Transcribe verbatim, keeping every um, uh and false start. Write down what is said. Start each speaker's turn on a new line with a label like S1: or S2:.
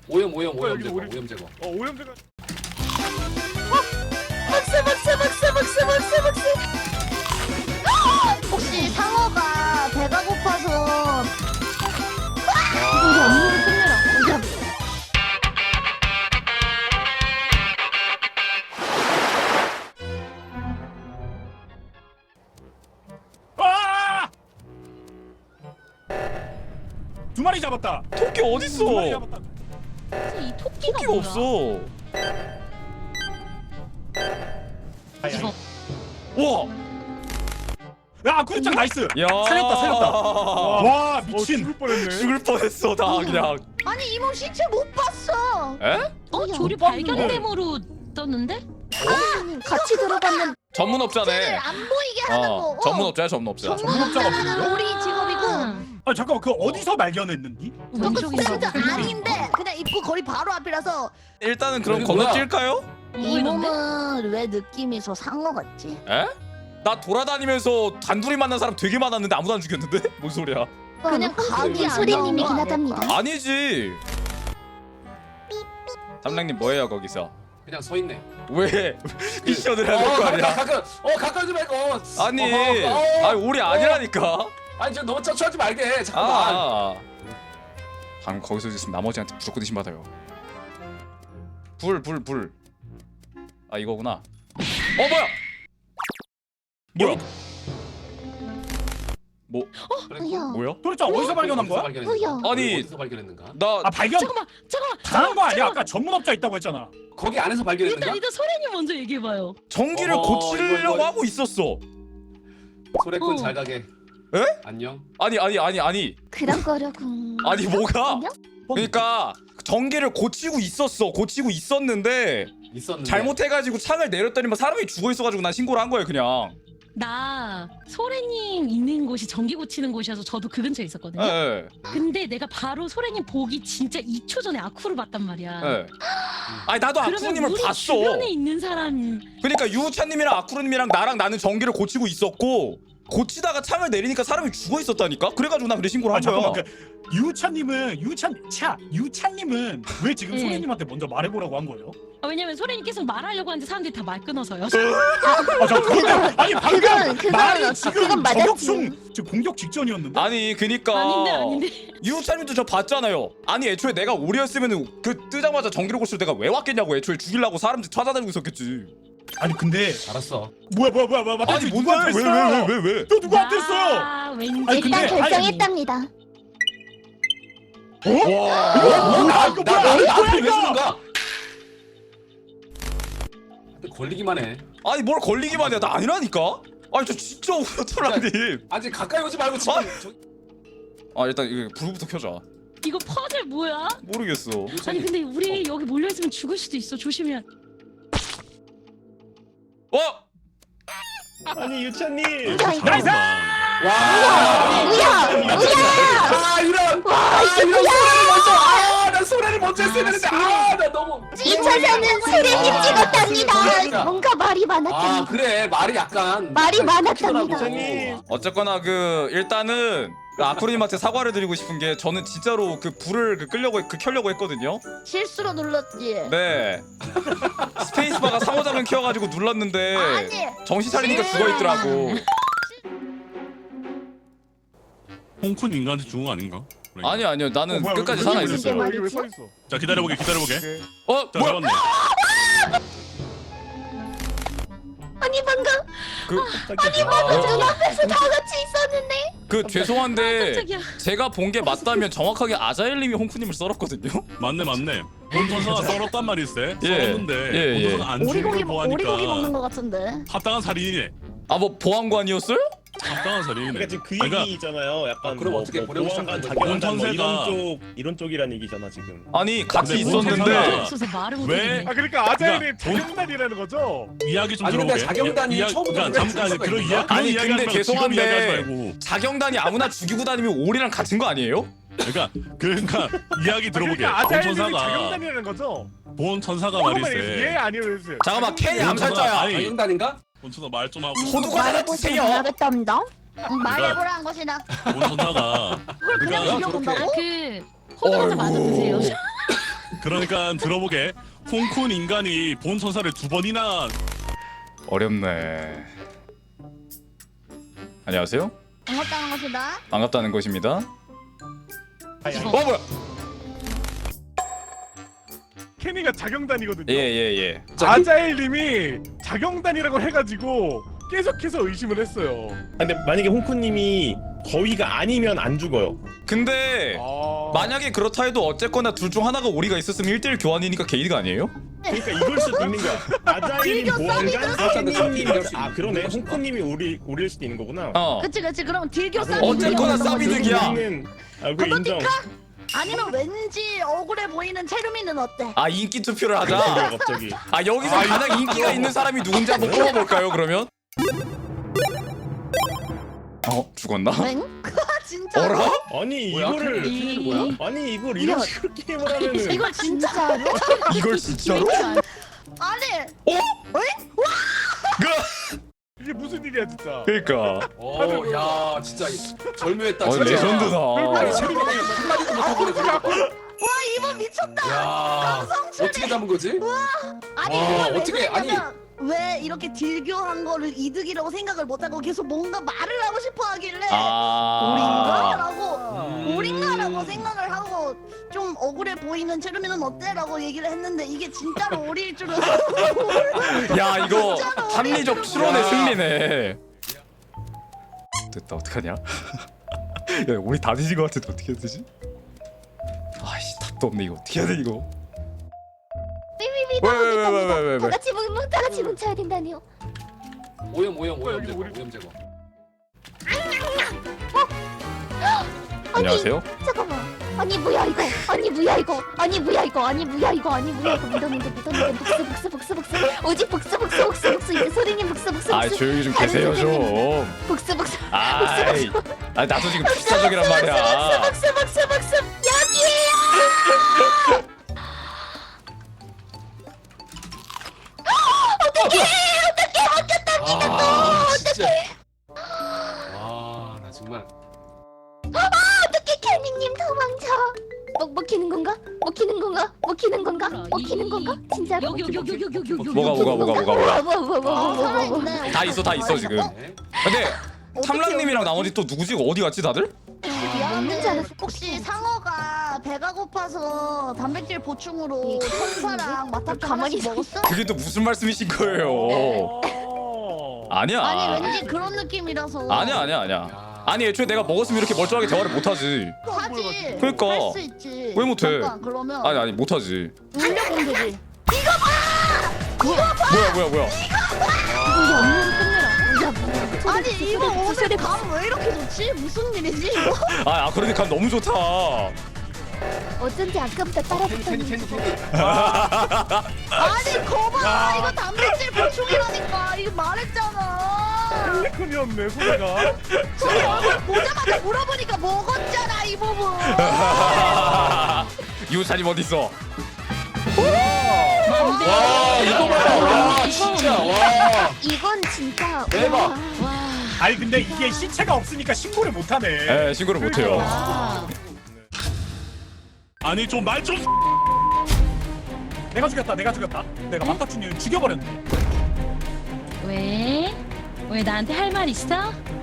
S1: 오염 오염 오염
S2: 여기
S1: 제거
S2: 오염-
S1: 오염 제거.
S2: 어 오염 제거.
S3: 박스 박스 박스 박스 박스 박스. 혹시 상어가 배가 고파서 이거 업무를 끝내라.
S2: 아! 두 마리 잡았다.
S4: 토끼
S2: 두 마리
S4: 어딨어?
S2: 잡았다.
S5: 이 토끼가
S4: 토끼가
S5: 뭐야?
S4: 없어.
S5: 이거
S4: 와.
S2: 야 구리짱 나이스.
S4: 야.
S2: 살렸다 살렸다. 와
S4: 어,
S2: 미친.
S6: 죽을 뻔했네.
S4: 죽을 뻔했어 다 그냥.
S3: 아니 이모 시체 못 봤어.
S4: 에?
S5: 어 조류
S2: 못
S5: 발견
S2: 봤는데.
S5: 데모로 떴는데?
S3: 같이 들어갔는데
S4: 전문업자네.
S3: 안 보이게 하는 거.
S4: 어, 전문업자야 전문업자.
S2: 전문업자가 뭐예요?
S3: 우리 직업이고.
S2: 아 잠깐만 그 어디서 발견했는지?
S3: 저거
S5: 왼쪽인가
S3: 스탠드
S5: 보다.
S3: 아닌데 그냥 입구 거리 바로 앞이라서.
S4: 일단은 그럼
S1: 여기 뭐야?
S4: 건너뛸까요?
S3: 이 몸은 왜 느낌이 서 상어 같지?
S4: 에? 나 돌아다니면서 단둘이 만난 사람 되게 많았는데 아무도 안 죽였는데? 뭔 소리야?
S3: 그냥 각이 안
S7: 소리님이긴
S3: 나온 거
S7: 하답니다.
S3: 아닐까?
S4: 아니지. 담당님 뭐예요 거기서?
S1: 그냥 서 있네.
S4: 왜 미션을 해야 될 거
S1: 어,
S4: 아니야?
S1: 가까 어 가까우지 말고.
S4: 아니,
S1: 어, 어, 어.
S4: 아니 우리 아니라니까.
S1: 아니 저 너무 쩌추하지 말게. 잠깐만.
S4: 아, 방금 거기서 있으면 나머지한테 무조건 의심 받아요. 불, 불, 불. 아 이거구나. 어 뭐야? 뭐야? 뭐
S1: 그래,
S7: 뭐야?
S4: 뭐야?
S2: 구리짱 어디서 발견한
S1: 어디서
S2: 거야?
S1: 발견했는가?
S7: 뭐야?
S4: 아니.
S1: 어디서 발견했는가?
S4: 나
S2: 아 발견
S5: 잠깐만 잠깐만
S2: 당한 거 아니야? 아까 전문업자 있다고 했잖아.
S1: 거기 안에서 발견했는가?
S5: 일단 일단 소래님 먼저 얘기해봐요.
S4: 전기를
S1: 어허,
S4: 고치려고
S1: 이거, 이거.
S4: 하고 있었어.
S1: 소래꾼
S5: 어.
S1: 잘 가게.
S4: 에?
S1: 안녕.
S4: 아니 아니 아니 아니
S7: 그런 거라고.
S4: 아니 뭐가?
S7: 안녕?
S4: 그러니까 전기를 고치고 있었어. 고치고 있었는데
S1: 있었는데.
S4: 잘못해가지고 창을 내렸더니만 사람이 죽어 있어가지고 난 신고를 한 거예요 그냥.
S5: 나 소래님 있는 곳이 전기 고치는 곳이어서 저도 그 근처에 있었거든요.
S4: 예,
S5: 근데 내가 바로 소래님 보기 진짜 이 초 전에 아쿠를 봤단 말이야.
S4: 예. 예. 아니 나도
S5: 그러면
S4: 아쿠루님을
S5: 우리
S4: 봤어.
S5: 주변에 있는 사람
S4: 그러니까 유우찬님이랑 아쿠루님이랑 나랑 나는 전기를 고치고 있었고 고치다가 창을 내리니까 사람이 죽어 있었다니까. 그래가지고 나 그래 신고를
S2: 아
S4: 한 거야.
S2: 잠깐만 그 유찬님은 유찬 차 유찬님은 왜 지금
S5: 네.
S2: 소리님한테 먼저 말해보라고 한 거예요?
S5: 아, 왜냐면 소래님 계속 말하려고 하는데 사람들이 다 말 끊어서요.
S2: 아저 그거 아니 방금
S7: 그건- 그건
S2: 말이
S7: 어-
S2: 지금
S7: 그건 맞았지.
S2: 저격중 지금 공격 직전이었는데.
S4: 아니 그니까
S5: 아닌데 아닌데.
S4: 유우찬님도 저 봤잖아요. 아니 애초에 내가 오리였으면은 그 뜨자마자 전기를 고칠 때가 왜 왔겠냐고. 애초에 죽이려고 사람들 찾아다니고 있었겠지.
S2: 아니 근데
S1: 알았어.
S2: 뭐야 뭐야 뭐야 뭐야
S4: 아니 뭔데 왜 왜 왜 왜 왜?
S2: 너 누구한테 했어?
S5: 아, 왠지
S2: 아니, 근데-
S7: 일단 결정했답니다.
S2: 어?
S4: 와.
S2: 어? 나 이거 뭐야?
S1: 나
S2: 이거
S1: 나한테
S2: 뭐야
S1: 왜
S2: 이거?
S1: 주는가? 걸리기만 해.
S4: 아니 뭘 걸리기만 해. 나 아니라니까. 아니 저 진짜 오토라님.
S1: 아직 가까이 오지 말고 지금.
S4: 아.
S1: 저-
S4: 아 일단 이거 불부터 켜자.
S5: 이거 퍼즐 뭐야?
S4: 모르겠어.
S5: 아니 근데 우리 여기 몰려 있으면 죽을 수도 있어. 조심해야.
S4: 어?
S6: 아니 유찬님.
S2: 나이스!
S1: 와.
S7: 뭐야?
S1: 아 이런. 아 이런 소래를 먼저. 아나 소래를 먼저 했어야 되는데. 아나 너무.
S7: 이 차선은 소리님
S1: 그러니까.
S7: 찍었답니다. 뭔가 말이
S1: 아
S7: 많았답니다.
S1: 그래 말이 약간.
S7: 말이
S1: 약간
S7: 많았답니다.
S1: 튀더라고.
S4: 어쨌거나 그 일단은 그 아쿠루님한테 사과를 드리고 싶은 게 저는 진짜로 그 불을 그 끄려고 그 켜려고 했거든요.
S3: 실수로 눌렀지.
S4: 네. 스페이스바가 상호작용 키워가지고 눌렀는데
S3: 아니.
S4: 정신 차리니까 죽어 있더라고.
S8: 홍쿤 인간한테 죽은 거 아닌가?
S4: 아니 아니요 나는
S2: 어, 뭐야,
S4: 끝까지
S2: 왜,
S4: 살아
S2: 왜, 왜,
S4: 있었어요.
S7: 왜,
S6: 여기 왜 서 있어?
S8: 자 기다려보게 기다려보게.
S4: 어
S8: 자
S4: 뭐야?
S8: 잡았네.
S7: 아니 방금
S4: 그,
S7: 아니 방금 눈앞에서 다 같이 있었는데.
S4: 그 죄송한데
S5: 깜짝이야.
S4: 제가 본 게 맞다면 정확하게 아자일님이 홍쿠님을 썰었거든요.
S8: 맞네 맞네. 본토사가 썰었단 말일세.
S4: 예.
S8: 썰었는데
S4: 예, 예.
S8: 본토사가 안 죽은
S3: 오리고기
S8: 걸
S3: 오리고기 먹는
S8: 보아니까
S3: 거 같은데.
S8: 합당한 살인이네.
S4: 아 뭐 보안관이었어요?
S8: 합당한 살인이네.
S6: 그러니까 지금 그
S8: 그러니까
S6: 얘기잖아요. 약간
S1: 아, 그럼
S6: 뭐,
S1: 어떻게
S6: 뭐
S1: 보내고
S6: 보안관
S1: 시작한
S6: 자격단 뭐
S8: 거지?
S6: 이런 쪽 이런 쪽이란 얘기잖아 지금.
S4: 아니 같이
S8: 근데
S4: 있었는데
S8: 본토사가
S5: 없어서 말을
S8: 왜?
S5: 못하겠네.
S2: 아 그러니까 아자일이
S8: 그러니까
S2: 자경단이라는 거죠?
S8: 이야기 좀
S1: 아니, 근데
S8: 들어보게.
S1: 자경단이
S8: 이야-
S1: 처음부터
S8: 그러니까
S1: 그렇게
S8: 잠깐
S1: 했을
S8: 그런
S1: 수가
S8: 이야 그런
S4: 아니,
S8: 이야기
S4: 근데
S8: 하지 말고 지금 이야기하지
S4: 죄송한데
S8: 말고.
S4: 자경단이 아무나 죽이고 다니면 오리랑 같은 거 아니에요?
S8: 그러니까 그러니까 이야기 들어보게.
S2: 그러니까 아자일이
S8: 본천사가
S2: 자경단이라는 거죠?
S8: 본천사가
S2: 조금만
S8: 말일세.
S2: 예 아니요 해주세요.
S4: 잠깐만 K이
S8: 본천사-
S4: 암살자야.
S8: 아니,
S1: 자경단인가?
S8: 본천사 말 좀 하고.
S4: 호두과자 하나
S7: 말해보시면
S4: 드세요.
S7: 알겠답니다.
S3: 말해보라는 것이다.
S8: 본천사가
S3: 그걸 그냥
S8: 그러니까
S3: 죽여본다고?
S5: 그 호두과자 마저 드세요.
S8: 그러니까 들어보게. 홍쿤 인간이 본 천사를 두 번이나.
S4: 어렵네. 안녕하세요.
S3: 반갑다는 것이다.
S4: 반갑다는 것입니다.
S6: 아니, 아니.
S4: 어 뭐야?
S2: 케미가 자경단이거든요.
S4: 예예 예.
S2: 아자일님이 자경단이라고 해가지고 계속해서 의심을 했어요.
S6: 근데 만약에 홍쿠님이 거위가 아니면 안 죽어요.
S4: 근데
S2: 아...
S4: 만약에 그렇다 해도 어쨌거나 둘 중 하나가 오리가 있었으면 일 대일 교환이니까 게이드가 아니에요?
S6: 그러니까 이걸 수도 있는 거야. 아자일님
S3: 딜교
S6: 보안관,
S1: 싸움이다.
S6: 케미님
S1: 싸움이다.
S6: 아 그러네. 홍쿠님이 오리 오릴 수도 있는 거구나.
S4: 어.
S3: 그치 그치. 그럼 딜교
S6: 아,
S3: 싸움.
S4: 어쨌거나 싸비득이야.
S6: 우리는 아, 그 인정.
S3: 아니면 왠지 억울해 보이는 체르미는 어때?
S4: 아 인기 투표를 하자.
S6: 그래, 갑자기.
S4: 아 여기서
S2: 아,
S4: 가장 인기가 있는 사람이 누군지 한번 뽑아볼까요 그러면? 어 죽었나?
S3: 맹? 진짜?
S4: 어라?
S6: 아니
S1: 뭐야?
S6: 이거를
S1: 캐릭터는 뭐야?
S6: 아니 이걸 이런
S3: 이거-
S6: 식으로 게임을 하면은
S3: 이걸 진짜로?
S4: 이걸 진짜로?
S3: 아니
S2: 이게 무슨 일이야 진짜.
S4: 그러니까.
S1: 어야 진짜 절묘했다.
S4: 어
S1: 진짜.
S4: 레전드다.
S1: 아니 체리가 한마디도 못하고 그래.
S3: 와 이번 미쳤다.
S1: 야 어떻게 잡은 거지?
S3: 아니
S1: 와,
S3: 그걸 왜
S1: 어떻게- 아니.
S3: 그랬냐면 왜 이렇게 딜교한 거를 이득이라고 생각을 못하고 계속 뭔가 말을 하고 싶어 하길래
S4: 아.
S3: 오린가라고 오린가라고 생각을 하고 좀 억울해 보이는 체르미는 어때라고 얘기를 했는데 이게 진짜로 오리일 줄은
S4: 야 이거
S3: 진짜로
S4: 합리적
S3: 오리일
S4: 추론의
S1: 야.
S4: 승리네. 됐다 어떡하냐? 야 우리 다 뒤진 것 같은데 어떻게 해야 되지? 아이씨 답도 없네 이거 어떻게 해야 돼 이거?
S7: 삐삐삐
S4: 왜, 왜, 왜, 왜, 왜, 왜, 왜?
S7: 다 같이 뭉, 다 같이 뭉쳐야 된다니요.
S1: 오염 오염 오염
S2: 여기
S1: 제거
S2: 우리-
S1: 오염 제거.
S4: 안녕하세요.
S7: 잠깐만. 아니 뭐야 이거? 아니 뭐야 이거? 아니 뭐야 이거? 아니 뭐야 이거? 아니 뭐야 이거? 믿었는데 믿었는데 복수 복수 복수 복수. 오직 복수 복수 복수 복수. 이제 소리님 복수 복수
S4: 아
S7: 복수.
S4: 조용히 좀 계세요 좀.
S7: 복수 복수.
S4: 아이, 아 나도 지금 필사적이란 말이야.
S7: 복수 복수 복수. 여기에요.
S1: 아 진짜. 와나 정말.
S7: 어떻게 케미님 도망쳐? 먹 먹히는 건가? 먹히는 건가? 먹히는 건가?
S5: 뭐야,
S7: 먹히는
S5: 이-
S7: 건가? 진짜로?
S5: 여기 여기 여기 여기 여기 여기
S4: 뭐가 뭐가 뭐가 뭐가 뭐가.
S7: 뭐, 뭐, 뭐, 뭐, 뭐, 뭐, 뭐.
S3: 살아있네.
S4: 다 있어 다 있어 지금.
S1: 네.
S4: 근데 탐랑님이랑 나머지 또 누구지? 어디 갔지 다들?
S7: 먹는 줄 알았어.
S3: 혹시 상어가 배가 고파서 단백질 보충으로 천사랑 마타카
S7: 가만히
S3: 하나씩 먹었어?
S4: 그게 또 무슨 말씀이신 거예요?
S2: 어...
S4: 아니야.
S3: 아니 왠지 그런 느낌이라서
S4: 아니야 아니야 아니야.
S1: 야.
S4: 아니 애초에 내가 먹었으면 이렇게 멀쩡하게 대화를 못하지.
S3: 하지.
S4: 그러니까.
S3: 할 수 있지.
S4: 왜 못해?
S3: 잠깐 그러면
S4: 아니 아니 못하지.
S3: 울려 보면 되지.
S4: 뭐야 뭐야 뭐야.
S7: 이거 업무를 끝내라. 야, 뭐.
S3: 아니 이거 오늘 감 왜 이렇게 좋지? 무슨 일이지 이거?
S4: 아, 아 그러니까 너무 좋다.
S7: 어쩐지 아까보다
S1: 캔디 캔디 캔디
S7: 따라붙더니
S1: 캔디.
S3: 아니 거봐 이거 단백질 보충이라니까 이거 말했잖아.
S2: 펠리콘이었네 소리가.
S3: 저기 얼굴 보자마자 물어보니까 먹었잖아 이 부분.
S4: 유찬이 어디 있어?
S1: 와 이거 봐라. 와 진짜 와.
S7: 이건 진짜
S1: 대박.
S7: 와.
S2: 아니 근데 이게 시체가 없으니까 신고를 못하네.
S4: 에 신고를 못해요.
S5: 아,
S8: 아니 좀 말 좀.
S2: 내가 죽였다. 내가 죽였다. 내가 마타춘이를 죽여버렸네.
S5: 왜? 왜 나한테 할 말 있어?